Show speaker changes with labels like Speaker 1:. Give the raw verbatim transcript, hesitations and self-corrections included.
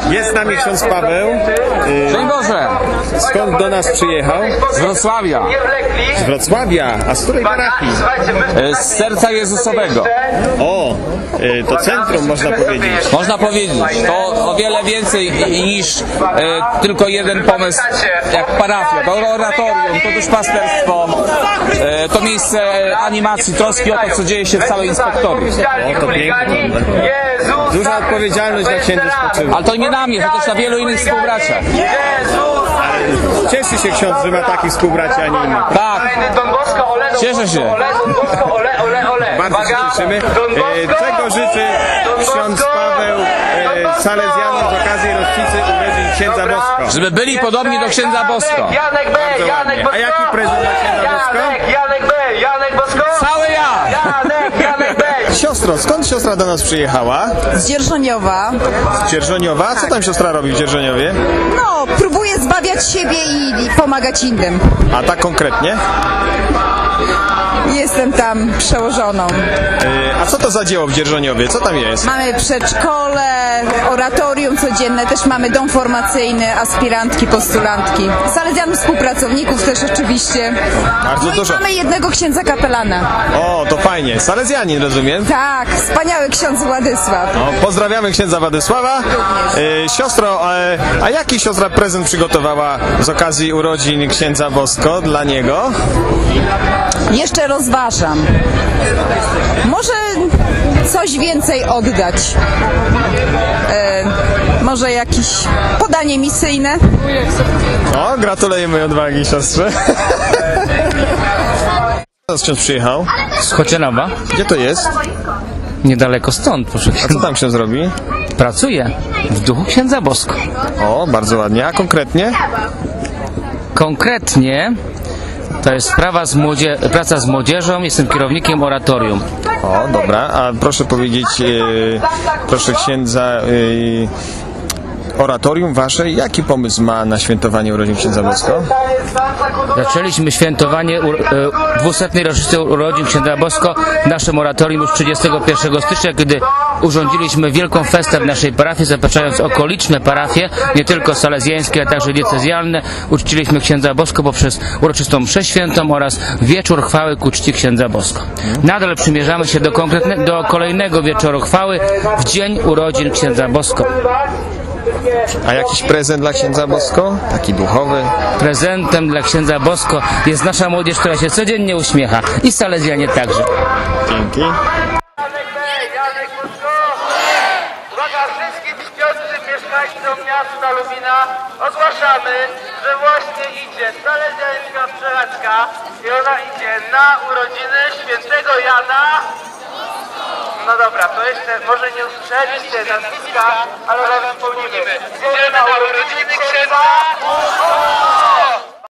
Speaker 1: Jest z nami ksiądz Paweł.
Speaker 2: Dzień Boże!
Speaker 1: Skąd do nas przyjechał?
Speaker 2: Z Wrocławia.
Speaker 1: Z Wrocławia. A z której parafii?
Speaker 2: Z Serca Jezusowego.
Speaker 1: O, to centrum można powiedzieć.
Speaker 2: Można powiedzieć. To o wiele więcej niż e, tylko jeden pomysł jak parafia. To oratorium, to duszpasterstwo, e, to miejsce animacji, troski o to, co dzieje się w całej inspektorii.
Speaker 1: O, to pięknie. Duża odpowiedzialność dla księdza spoczywa.
Speaker 2: Ale to nie na mnie, to też na wielu innych współbraciach.
Speaker 1: Cieszy się ksiądz, że ma takich współbraci, a nie innych.
Speaker 2: Tak, cieszę się.
Speaker 1: Bardzo się cieszymy. E, czego życzy ksiądz Paweł e, Salezjanom z okazji rocznicy urodzin księdza Bosko?
Speaker 2: Żeby byli podobni do księdza Bosko.
Speaker 3: Janek B, Janek
Speaker 1: A jaki prezent dla księdza Bosko?
Speaker 3: Janek B, Janek Bosko.
Speaker 2: Cały ja!
Speaker 3: Janek, Janek B.
Speaker 1: Siostro, skąd siostra do nas przyjechała?
Speaker 4: Z Dzierżoniowa.
Speaker 1: Z Dzierżoniowa? A co tam siostra robi w Dzierżoniowie?
Speaker 4: No, próbuję zbawiać siebie i, i pomagać innym.
Speaker 1: A tak konkretnie?
Speaker 4: Jestem tam przełożoną.
Speaker 1: Yy, a co to za dzieło w Dzierżoniowie? Co tam jest?
Speaker 4: Mamy przedszkole, oratorium codzienne, też mamy dom formacyjny, aspirantki, postulantki. Salezjanów, współpracowników też oczywiście.
Speaker 1: Bardzo
Speaker 4: No i
Speaker 1: dużo.
Speaker 4: mamy jednego księdza kapelana.
Speaker 1: O, to fajnie. Salezjanin, rozumiem?
Speaker 4: Tak, wspaniały ksiądz Władysław.
Speaker 1: O, pozdrawiamy księdza Władysława. Yy, siostro, e, a jaki siostra prezent przygotowała z okazji urodzin księdza Bosko dla niego?
Speaker 4: Jeszcze rozważam. Może coś więcej oddać. E, może jakieś podanie misyjne.
Speaker 1: O, gratulujemy odwagi siostrze. Teraz ksiądz przyjechał.
Speaker 5: Z Chocianowa,
Speaker 1: Gdzie to jest?
Speaker 5: niedaleko stąd, proszę
Speaker 1: A co
Speaker 5: księdza.
Speaker 1: tam ksiądz robi?
Speaker 5: Pracuję w duchu księdza Bosko.
Speaker 1: O, bardzo ładnie. A konkretnie?
Speaker 5: Konkretnie to jest sprawa z młodzie... praca z młodzieżą, jestem kierownikiem oratorium.
Speaker 1: O, dobra. A proszę powiedzieć, e, proszę księdza, e, oratorium wasze, jaki pomysł ma na świętowanie urodzin księdza Bosko?
Speaker 5: Zaczęliśmy świętowanie u... e, dwusetnej rocznicy urodzin księdza Bosko w naszym oratorium już trzydziestego pierwszego stycznia, kiedy urządziliśmy wielką festę w naszej parafii, zapraszając okoliczne parafie, nie tylko salezjańskie, ale także diecezjalne. Uczciliśmy księdza Bosko poprzez uroczystą mszę świętą oraz wieczór chwały ku czci księdza Bosko. Nadal przymierzamy się do, konkretne... do kolejnego wieczoru chwały w dzień urodzin księdza Bosko.
Speaker 1: A jakiś prezent dla księdza Bosko? Taki duchowy?
Speaker 5: Prezentem dla księdza Bosko jest nasza młodzież, która się codziennie uśmiecha i salezjanie także.
Speaker 1: Dzięki.
Speaker 3: Janek B, Janek Bosko. Uwaga, wszystkim śpiącym mieszkańcom miasta Lubina ogłaszamy, że właśnie idzie salezjańska przejażdżka i ona idzie na urodziny świętego Jana. No dobra, to jeszcze może nie usłyszeliście nazwiska, ale razem wspomnimy. Idziemy na urodziny księdza.